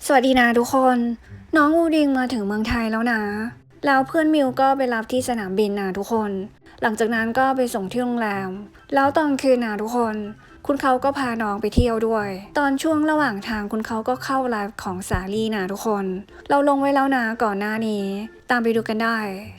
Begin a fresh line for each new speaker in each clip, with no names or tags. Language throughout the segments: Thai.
สวัสดีนะทุกคนน้องอูดิงมาถึงเมืองไทยแล้วนะแล้วเพื่อนมิวก็ไปรับที่สนามบินนะทุกคนหลังจากนั้นก็ไปส่งที่โรงแรมแล้วตอนคืนนะทุกคนคุณเขาก็พาน้องไปเที่ยวด้วยตอนช่วงระหว่างทางคุณเขาก็เข้าไลฟ์ของสาลี่นะทุกคนเราลงไว้แล้วนะก่อนหน้านี้ตามไปดูกันได้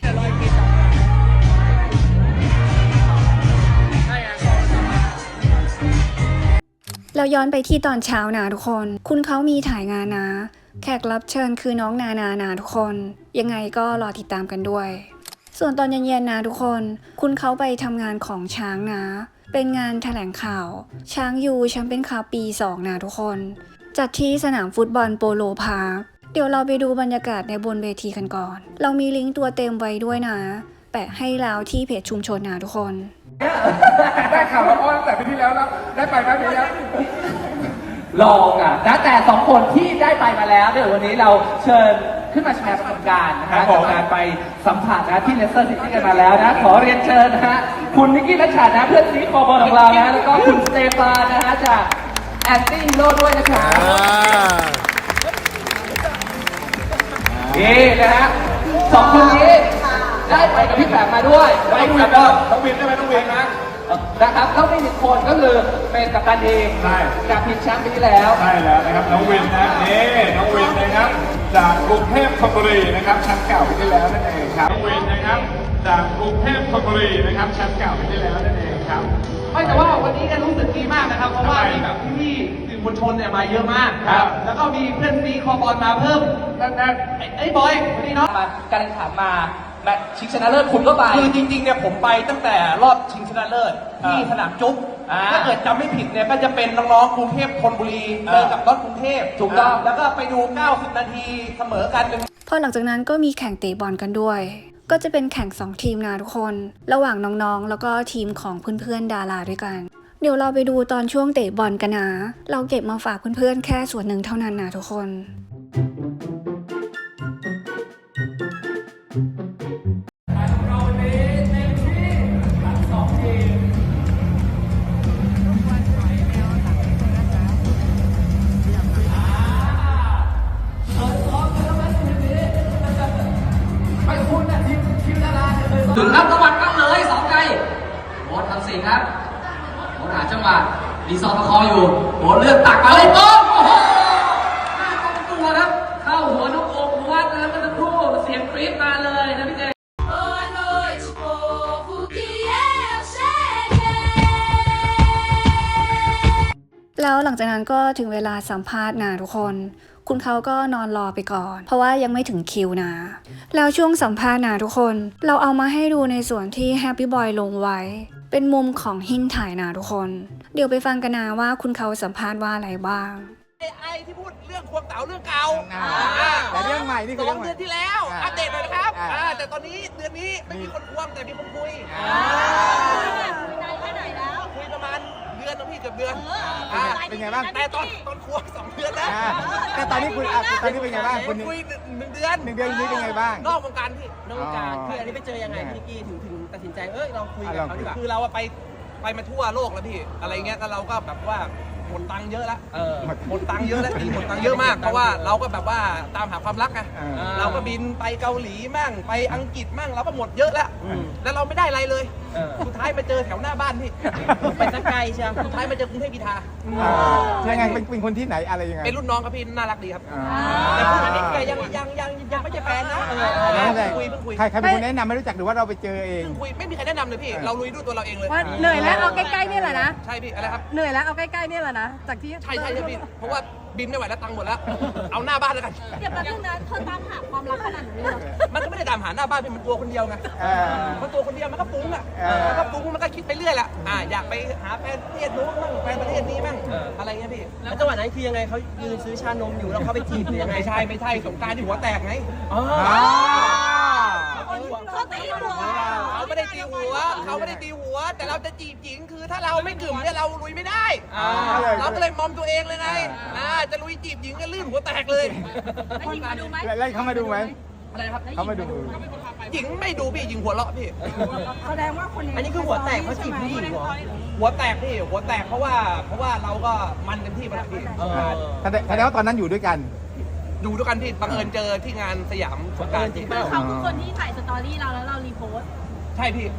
เราย้อนไปที่ตอนเช้านะทุกคนคุณเขามีถ่ายงานนะแขกรับเชิญคือน้องนานะทุกคนยังไงก็รอติดตามกันด้วยส่วนตอนเย็นๆนะทุกคนคุณเขาไปทำงานของช้างนะเป็นงานแถลงข่าวช้างยูแชมเปี้ยนคัพปี 2นะทุกคนจัดที่สนามฟุตบอลโปโลพาร์คเดี๋ยวเราไปดูบรรยากาศในบนเวทีกันก่อนเรามีลิงก์ตัวเต็มไว้ด้วยนะแปะให้แล้วที่เพจชุมชนนะทุกคน
ได้ข่าวมาอ้อนแต่ปีที่แล้วได้ไปไหมปีนี้
ลองอ่ะนะแต่2คนที่ได้ไปมาแล้วเดี๋ยววันนี้เราเชิญขึ้นมาแชร์ประสบการณ์นะคะจากการไปสัมผัสนะที่เลสเตอร์ซิตี้กันมาแล้วนะขอเรียนเชิญนะฮะคุณนิกกี้นัชชานะเพื่อนซีคอบอลของเรานะแล้วก็คุณสเตฟานนะฮะจากแอนตี้ฮีโร่ด้วยนะครับนี่นะฮะ2คนนี้ได้ไปกับพี่แฝดมาด้วย
ต้องวินได้ไหมต้องวินนะ
นะครับแล้วมี1คนก็คือเป็นกัปตันเองจากทีมแชมป์ปีที่แล้ว
ใช่แล้วนะครับน้องวินนะนี่น้องวินนะครับจากกรุงเทพธนบุรีนะครับแชมป์เก่าปีที่แล้วนั่นเองครับน้องวินนะครับจากกรุงเทพธนบุรีนะครับแชมป์เก่าปีที่แล้วนั่นเองครับ
ไม่แต่ว่าวันนี้รู้สึกดีมากนะครับเพราะว่ามีแบบพี่สื่อมวลชนเนี่ยมาเยอะมากครับแล้วก็มีเพื่อนซีคอบอลมาเพิ่มนั่นไอ้บอยวันนี้เนาะ
การแข่งขันมาแมตช์ชิงชนะเลิศคุณก็ไป
คือจริงๆเนี่ยผมไปตั้งแต่รอบชิงชนะเลิศที่สนามจุ๊บถ้าเกิดจำไม่ผิดเนี่ยก็จะเป็นน้องๆกรุงเทพธนบุรีเจอกับรถกรุงเทพ
ถูกต้อง
แล้วก็ไปดู90นาทีเสมอกัน
พอหลังจากนั้นก็มีแข่งเตะบอลกันด้วยก็จะเป็นแข่ง2ทีมนะทุกคนระหว่างน้องๆแล้วก็ทีมของเพื่อนๆดาราด้วยกันเดี๋ยวเราไปดูตอนช่วงเตะบอลกันนะเราเก็บมาฝากเพื่อนๆแค่ส่วนหนึ่งเท่านั้นนะทุกคน
ถึงครับตะวันกันเลย2ไกลโบ๊ททำสิ่งครับโบ๊ทหาจังหวะดีซอประคองอยู่โบ๊ทเลือกตักมาเลยโอ้โหหน้าตรงตัวครับเข้าหัวน้องโอ๊ควัดแล้วก็ตะครู่เสียงกรี๊ดมาเลยนะพี่เจ
แล้วหลังจากนั้นก็ถึงเวลาสัมภาษณ์นะทุกคนคุณเขาก็นอนรอไปก่อนเพราะว่ายังไม่ถึงคิวนะแล้วช่วงสัมภาษณ์นะทุกคนเราเอามาให้ดูในส่วนที่แฮปปี้บอยลงไว้เป็นมุมของหินถ่ายนะทุกคนเดี๋ยวไปฟังกันนะว่าคุณเขาสัมภาษณ์ว่าอะไรบ้าง
ไอที่พูดเรื่องควงเต๋าเรื่องเก่า
แต่เรื่องใหม่นี่คือ
2 เดือนที่แล้วอัปเดตหน่อยนะครับแต่ตอนนี้เดือนนี้ไม่มีคนควงแต่มีคนคุย
นานแค่ไหนแล้ว
คุยประมาณเดือนนะพี่เกือบเดือน
เป็นไงบ้าง
แต่ตอนควง2 เดือนนะ
แต่ตอนนี้คุณตอนนี้เป็นไงบ้างคุณ
คุย1 เดือน
นี้เป็นไงบ้าง
นอกวงการพี่
นอกวงการคืออันนี้ไปเจอยังไงพี่กี้ถึงตัดสินใจเราคุยกับเขาดีกว่า
คือเราไปมาทั่วโลกแล้วพี่อะไรเงี้ยแล้วเราก็แบบว่าหมดตังค์เยอะแล้วหมดตังค์เยอะแล้วหมดตังค์เยอะมากเพราะว่าเราก็แบบว่าตามหาความรักไงเราก็บินไปเกาหลีมั่งไปอังกฤษมั่งเราก็หมดเยอะแล้วแล้วเราไม่ได้อะไรเลยสุดท้ายมาเจอแถวหน้าบ้านพี่
ไปสักไกลใช่ไหม
สุดท้ายมาเจอกรุงเทพกีฬา
ยังไงเป็นคนที่ไหนอะไรยังไง
เป็นรุ่นน้องครับพี่น่ารักดีครับแต่พูดอันนี้ยังไม่ใช่แฟนนะ
ใครเป็นคนแนะนำไม่รู้จักหรือว่าเราไปเจอเอง
คุยไม่มีใครแนะนำเลยพี่เราลุยด้วยตัวเราเองเลย
เหนื่อยแล้วเอาใกล้ๆนี่แหละนะ
ใช่พี่อะไรครับ
เหนื่อยแล้วเอาใกล้ๆนี่แหละนะจากที่
ใช่พี่เพราะว่าบินไม่ไหวแล้วตังค์หมดแล้วเอาหน้าบ้านแล้วกัน
เดี๋ยวแป๊บนึงนะเธอตามหาความรักขนาดนี้เลย
มันก็ไม่ได้ตามหาหน้าบ้านเป็นมันตัวคนเดียวไงมันตัวคนเดียวมันก็ฟุ้งมันก็ฟุ้งมันก็คิดไปเรื่อยแหละอยากไปหาแฟนประเทศนู้นบ้างแฟนประเทศนี้บ้างอะไรเงี้ยพี่
แล้วจังหวะนั้นคือยังไงเขายืนซื้อชานมอยู่แล้วเขาไปจีบหรือยังไง
ไม่ใช่สงการที่หัวแตกไง
เขาตีหัว
เขาไม่ได้ตีหัวแต่เราจะจีบหญิงคือถ้าเราไม่กึ่มเนี่ยเราลุยไม่ได้เราก็เลยมอมตัวเองเลยไงจะลุยจีบหญิงก็ลื่นหัวแตกเลย
แล้วหญิงมาดูไหม
แล้วเขามาดูไหม
อะไรครับ
เขามาดู
หญิงไม่ดูพี่หญิงหัวเราะพี่
แสดงว่าคนนี้
อันนี้คือหัวแตกเพราะจีบผู้หญิงหัวแตกพี่หัวแตกเพราะว่าเราก็มันเต็มที่ไปแล้วพี่
แสดงว่าตอนนั้นอยู่ด้วยกัน
อยู่ด้วยกันพี่บังเอิญเจอที่งานสยามสงกรานต์จริง
เปล่า
เขาคือคนที่ถ่ายสตอรี่เราแล้วเรารีโพสต์
ใช่พี่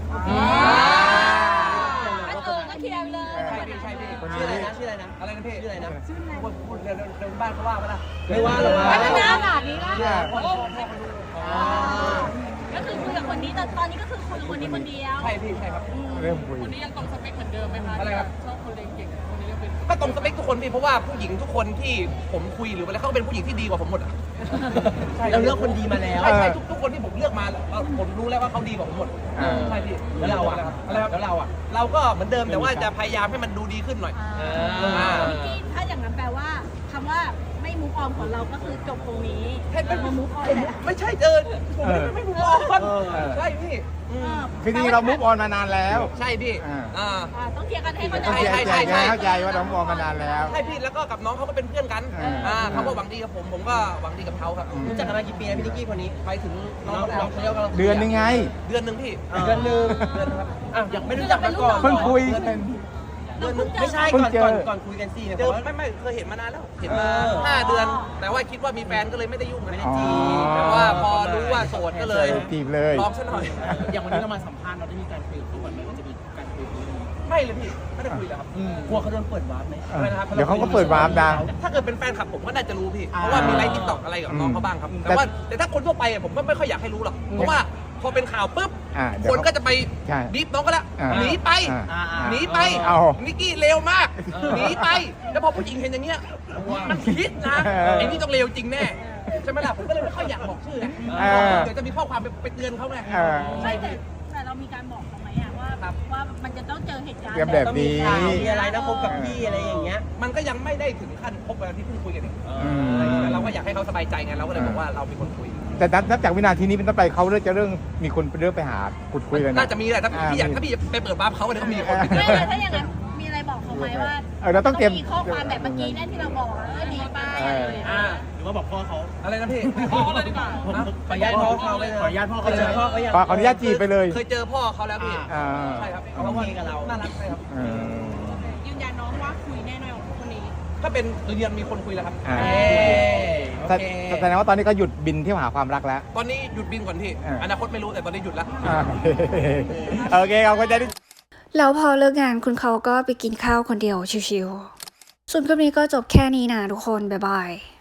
ก็เคลียร์ไปเลย
ใช่พี่ใช่พี่
ชื่ออะไรนะชื่ออะไรนะ
อะไรนะพี่
ชื่ออะไรนะ
พูดเดินบ้านเขาว่าไหมล่ะ
ไม่ว่าหรอก
ไม่เป็นขนาดนี้ละ
พ่อเขาดู
ก็คือคุยกับคนนี้แต่ตอนนี้ก็คือคุยกับคนนี้คนเดียว
ใช่พี่ใช่ครับ
เริ่มคุย
คนนี้ยังตรงสเปคเหมือนเดิมไหมคะ
อะไรครับ
ชอบคนเรียนเก่งคนนี้ยังเป็น
ก็ตรงสเปคทุกคนพี่เพราะว่าผู้หญิงทุกคนที่ผมคุยหรืออะไรเขาก็เป็นผู้หญิงที่ดีกว่าผมหมดอ่ะ
เราเลือกคนดีมาแล้ว
ใช่ใช่ทุกคนที่ผมเลือกมาผมรู้แล้วว่าเขาดีกว่าผมหมดใช่พี่
แล้วเราอ่ะ
อะไรครับ
แล้วเราอ่ะ
เราก็เหมือนเดิมแต่ว่าจะพยายามให้มันดูดีขึ้นหน่อย
พี่กี้ถ้าอย่างนั้นแปลว่าคำว่าไม่มูฟออนของเราก็คือจบตรงนี้
ให้เป็น
มามูฟออนแหละ
ไม่ใช่เจอผมไม่รู้อ่อนใช่พี่
คือจริงๆเรามุกออนมานานแล้ว
ใช่พี่อ่า
ต้องเคลียร์กันให้เข้าใจ
ต้อง
ใช่
เข้าใจว่าเรามุกออนมานานแล้ว
ใช่พี่แล้วก็กับน้องเขาก็เป็นเพื่อนกัน เขาก็หวังดีกับผมก็หวังดีกับเขาครับ
รู้จักกันมากี่ปีนะพี่นิกกี้คนนี้
ไปถึงน้อง
น้องเขาเรียกว่า
เดือนนึงไง
เดือนหนึ่งพี่
เดือนหนึง
เดือนครับ
อ่ะยังไม่รู้จักมาก่อน
เพิ่งคุย
เดือนหนึง
ไม่ใช่
เพิ่ง
ก่อน
เจอ
ก่อนคุยกันสิเนี่ย
เจอ
ว่า
ไม่เคยเห็นมานานแล้วเห็นมา
เออ
5 เดือน แต่ว่าคิดว่ามีแฟนก็เลยไม่ได้ยุ่ง
ไม่ได้
อ๋อ
จีบ
แต่ว่าพอรู้ว่าโสดก็เลย
จีบเลย
ลองซะหน่อย
อย่างวันนี้เรามาสัมภาษณ์เราได้มีการคุยกับเขาก่อนไหมว่าจะมีการคุยกัน
ไม่เลยพี่ไม่ได้คุยเลยครับ
กลัวเขาโดนเปิดวาร์ปไหม
เออเดี๋ยวเขาก็เปิดวาร์ปดัง
ถ้าเกิดเป็นแฟนคลับผมก็น่าจะรู้พี่ เพราะว่ามีไลฟ์ทิกตอกอะไรกับน้องเขาบ้างครับ แต่ถ้าคนทั่วไปผมก็ไม่ค่อยอยากให้รู้หรอก เพราะว่าพอเป็นข่าวปุ๊บ
เดี๋ยว
คนก็จะไป
ใช่
บีบน้องก็แล้ว หนีไป หนีไป
เอา
นิกกี้เลวมาก หนีไป แล้วพอผู้หญิงเห็นอย่างเงี้ย มันคิดนะไอ้นี่ต้องเลวจริงแน่ ใช่ไหมล่ะ ผมก็เลยไม่ค่อยอยากบอกชื่อไงเดี๋ยวจะมีข้อความไปเตือนเขาไง
ใช่แต่เรามีการบอกเขาไหมอะว่ามันจะต้องเจอเหตุการณ์
เตรียมแบบนี้
ต้องมีข่าวมีอะไรนะคบกับพี่อะไรอย่างเงี้ย
มันก็ยังไม่ได้ถึงขั้นคบกันที่เพิ่งคุยกันเอง
ม
แต่เราก็อยากให้เขาสบายใจไง เราก็เลยบอกว่าเราเป็นคนคุย
แต่นับจากวินาทีนี้เป็นต้นไปเขาเริ่มมีคนเริ่มไปหาขุดคุยเลยนะ
น่าจะมีแหละถ้าพี่อยากถ้าพี่ไปเปิดบ้าร์ปเขาเนี่ยก็มีคน
ไม่ถ้าอย่างนั้นมีอะไรบอกเขาไหมว่า
เราต้องเตรียม
มีข้อความแบบเมื่อกี้นั่นที่เราบอกหนีไปอะไรอย่างเงี้ย
หรือว่าบอกพ่อเขา
อะไรนะพี่พ่อเขาเลยดีกว่า
ขออนุญาตพ่อเขาเลยขออนุญาตพ่อเขาเลยพ่อเขายัง
ขออนุญาตจีบไปเลย
เคยเจอพ่อเขาแล้วพี่
อ่า
ใช่ครับ
เขาโอเคกับเรา
น่ารักใช่ครับ
เออ
ยืนยันน้องว่าคุยแน่นอนกับคนนี้
ถ้าเป็นเรียนมีคนคุยแล้วครับ
อ่า
โอเค
แสดงว่าตอนนี้ก็หยุดบินเที่ยวหาความรักแล้ว
ตอนนี้หยุดบินก่อนพี่ อนาคตไม่รู้แต่ตอนนี้หยุดแล้ว
โอเคขอบคุณใจที่
แล้วพอเลิกงานคุณเขาก็ไปกินข้าวคนเดียวชิวๆส่วนคลิปนี้ก็จบแค่นี้นะทุกคน บ๊ายบาย